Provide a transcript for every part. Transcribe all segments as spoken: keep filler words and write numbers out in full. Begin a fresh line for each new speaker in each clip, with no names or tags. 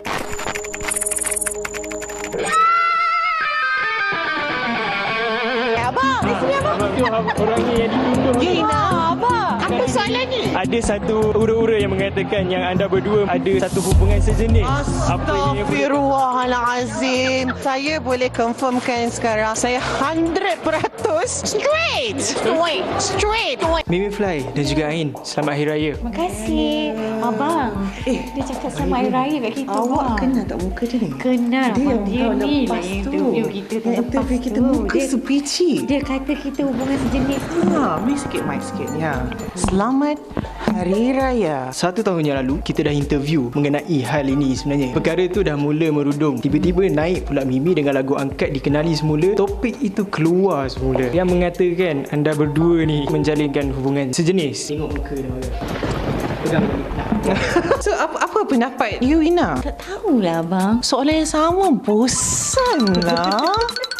Abang, di sini abang.
Abang tu abang, orangnya yang ditunjuk.
Ya, Ina. Abang, apa soalannya?
Ada satu ura-ura yang mengatakan yang anda berdua ada satu hubungan sejenis. Apa yang
Astaghfirullahalazim. Saya boleh confirmkan sekarang. Saya hundred peratus straight. Straight. Straight.
Mimi Fly dan juga Ain, selamat Hari Raya.
Terima kasih. Abang, eh, dia cakap sama Hari Raya kat kita.
Awak
bang.
kenal tak muka dia ni?
Kenal.
Dia yang
dia
tahun
ni
lepas
lah yang
tu.
interview kita tahun
Yang interview
lepas
kita
tu.
muka
Dia,
sepici.
dia kata kita hubungan sejenis.
Ha, mic sikit, mic sikit. Ya. Selamat Hari Raya.
Satu tahun yang lalu, kita dah interview mengenai hal ini sebenarnya. Perkara tu dah mula merudum. Tiba-tiba naik pula Mimi dengan lagu angkat dikenali semula. Topik itu keluar semula. Yang mengatakan anda berdua ni menjalinkan hubungan sejenis. Tengok muka dia orang. Pegang balik.
So, apa, apa pendapat you, Ina?
Tak tahulah abang.
Soalan yang sama, bosan lah.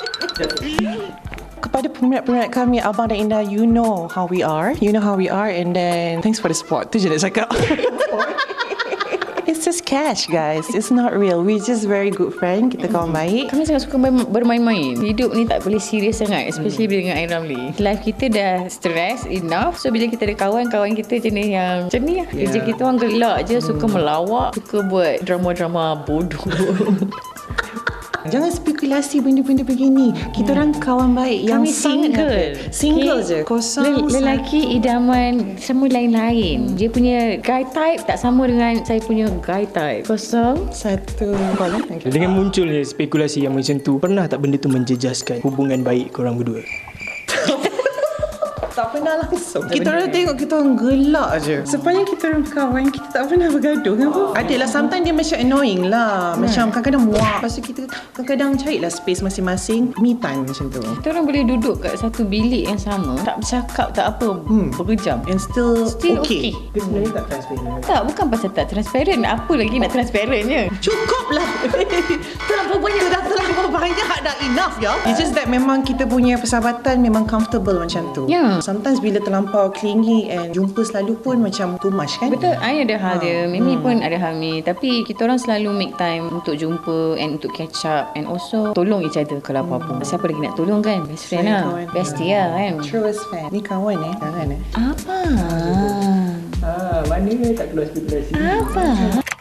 Kepada peminat-peminat kami, Abang dan Indah, you know how we are. You know how we are, and then thanks for the support. Tu je nak cakap. It's just cash, guys. It's not real. We just very good friend. Kita kawan baik.
Kami sangat suka ber- bermain-main. Hidup ni tak boleh serius sangat, especially bila dengan Ain Ramli. Life kita dah stress enough. So bila kita ada kawan, kawan kita jenis yang macam ni lah. Kerja
Yeah.
kita orang gelak je, suka melawak, suka buat drama-drama bodoh.
Jangan spekulasi benda-benda begini. Kita orang kawan baik yang
Kami
sangat
single.
happy. Single
Okay.
je. Kosong.
Lel- lelaki idaman semua lain-lain. Dia punya guy type tak sama dengan saya punya guy type. Kosong.
Satu. Boleh?
Dengan munculnya spekulasi yang macam tu, pernah tak benda tu menjejaskan hubungan baik korang berdua?
Tak pernah langsung. Kita orang tengok kita orang gelak je. Sepanjang kita orang kawan, kita tak pernah bergaduh kan apa? Adalah sometimes dia macam annoying lah. Macam kadang-kadang muak. Lepas tu kita kadang-kadang carilah space masing-masing. Me time macam tu.
Kita orang boleh duduk kat satu bilik yang sama, tak bercakap, tak apa,
Hmm.
berjam.
And still,
Still
okay.
okay.
Dia sebenarnya tak transparent.
Tak, bukan pasal tak transparent. Apa lagi nak transparentnya?
Cukup lah. Terlalu banyak. Dah terlalu banyak dah, enough ya. It's just that memang kita punya persahabatan memang comfortable macam tu.
Ya.
Sometimes bila terlampau clingy and jumpa selalu pun macam too much kan.
Betul, I ada hal
Ha.
dia, Mimi
Hmm.
pun ada hal ni. Tapi kita orang selalu make time untuk jumpa and untuk catch up and also tolong each other kalau apa-apa. Siapa lagi nak tolong kan? Best friend
Saya
lah.
kawan.
Bestie lah kan.
Truest fan. Ni kawan eh. Jangan eh.
Apa?
Ah, mana tak keluar spekulasi?
Apa?